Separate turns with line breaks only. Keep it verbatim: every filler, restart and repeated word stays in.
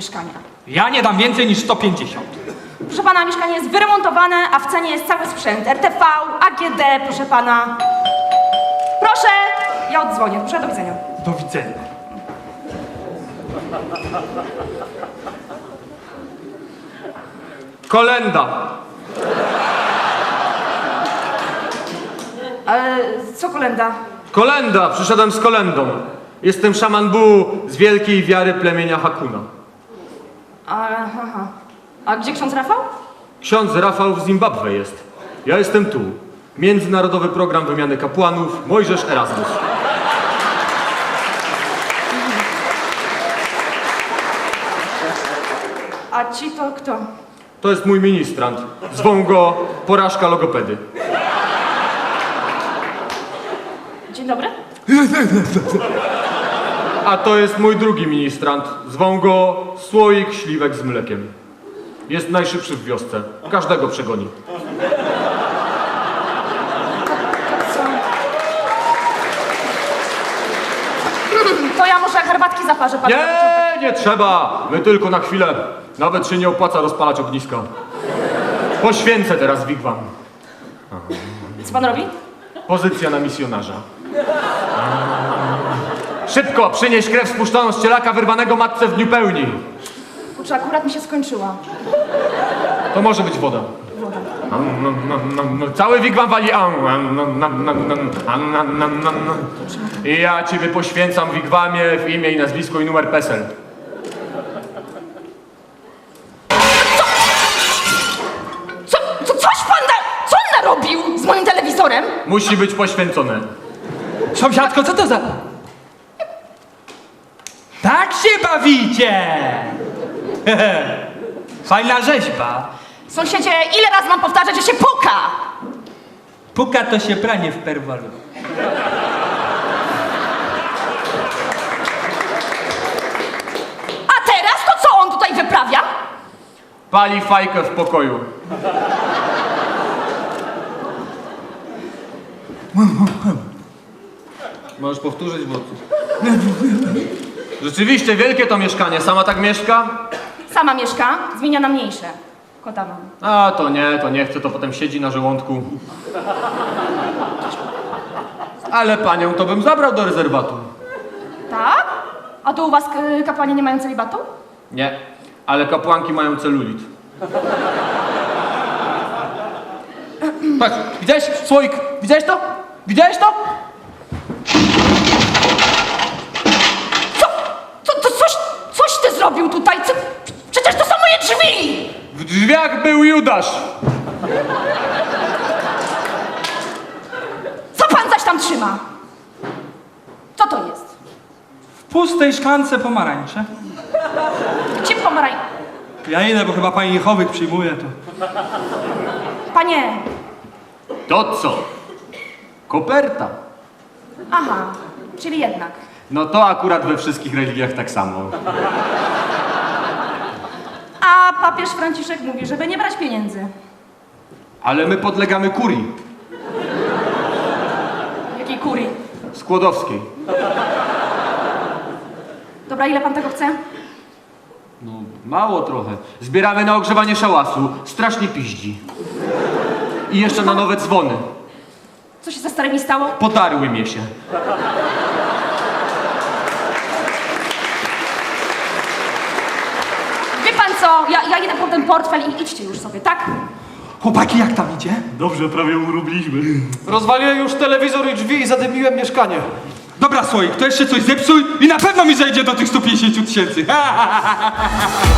mieszkania.
Ja nie dam więcej niż sto pięćdziesiąt.
Proszę pana, mieszkanie jest wyremontowane, a w cenie jest cały sprzęt. R T V, A G D, proszę pana. Proszę, ja oddzwonię. Proszę, do widzenia.
Do widzenia.
Kolenda.
Ale co kolenda?
Kolenda, przyszedłem z kolendą. Jestem szaman Bu z wielkiej wiary plemienia Hakuna.
A, aha. A gdzie ksiądz Rafał?
Ksiądz Rafał w Zimbabwe jest. Ja jestem tu. Międzynarodowy Program Wymiany Kapłanów Mojżesz Erasmus.
A ci to kto?
To jest mój ministrant. Zwą go Porażka Logopedy.
Dzień dobry.
A to jest mój drugi ministrant. Zwą go Słoik Śliwek z mlekiem. Jest najszybszy w wiosce. Każdego przegoni.
Co? To ja może herbatki zaparzę panu.
Nie, nie trzeba. My tylko na chwilę. Nawet się nie opłaca rozpalać ogniska. Poświęcę teraz wigwam.
Co pan robi?
Pozycja na misjonarza. Szybko, przynieś krew spuszczoną z cielaka wyrwanego matce w dniu pełni.
Kurczę, akurat mi się skończyła.
To może być woda. Cały wigwam wali. I ja ciebie poświęcam w wigwamie w imię i nazwisko i numer PESEL.
Co, co, coś pan da, co on narobił z moim telewizorem?
Musi być poświęcone.
Sąsiadko, co to za... Tak się bawicie! Fajna rzeźba.
Sąsiedzie, ile razy mam powtarzać, że się puka?
Puka to się pranie w perwalu.
A teraz to co on tutaj wyprawia?
Pali fajkę w pokoju. Możesz powtórzyć, bo... Rzeczywiście wielkie to mieszkanie. Sama tak mieszka?
Sama mieszka, zmienia na mniejsze. Kota mam.
A to nie, to nie chce, to potem siedzi na żołądku. Ale panią to bym zabrał do rezerwatu.
Tak? A to u was k- kapłani nie mają celibatu?
Nie, ale kapłanki mają celulit.
Patrz, widziałeś? Słoik, widziałeś to? Widziałeś to?
Co? Co, to coś, coś ty zrobił tutaj? Co? Przecież to są moje drzwi!
W drzwiach był Judasz.
Co pan zaś tam trzyma? Co to jest?
W pustej szklance pomarańcze.
Gdzie pomaraj...
Ja idę, bo chyba pani Jehowych przyjmuje to.
Panie...
To co? Koperta.
Aha, czyli jednak.
No to akurat we wszystkich religiach tak samo.
A papież Franciszek mówi, żeby nie brać pieniędzy.
Ale my podlegamy kurii
Jakiej kurii?
skłodowskiej.
Dobra, ile pan tego chce?
No mało trochę. Zbieramy na ogrzewanie szałasu. Strasznie piździ. I jeszcze na nowe dzwony.
Co się ze starymi stało?
Podarły mnie się.
Wie pan co, ja, ja idę po ten portfel i idźcie już sobie, tak?
Chłopaki, jak tam idzie?
Dobrze, prawie urubliśmy.
Rozwaliłem już telewizor i drzwi i zadymiłem mieszkanie.
Dobra, Słoik, to jeszcze coś zepsuj i na pewno mi zejdzie do tych stu pięćdziesięciu tysięcy.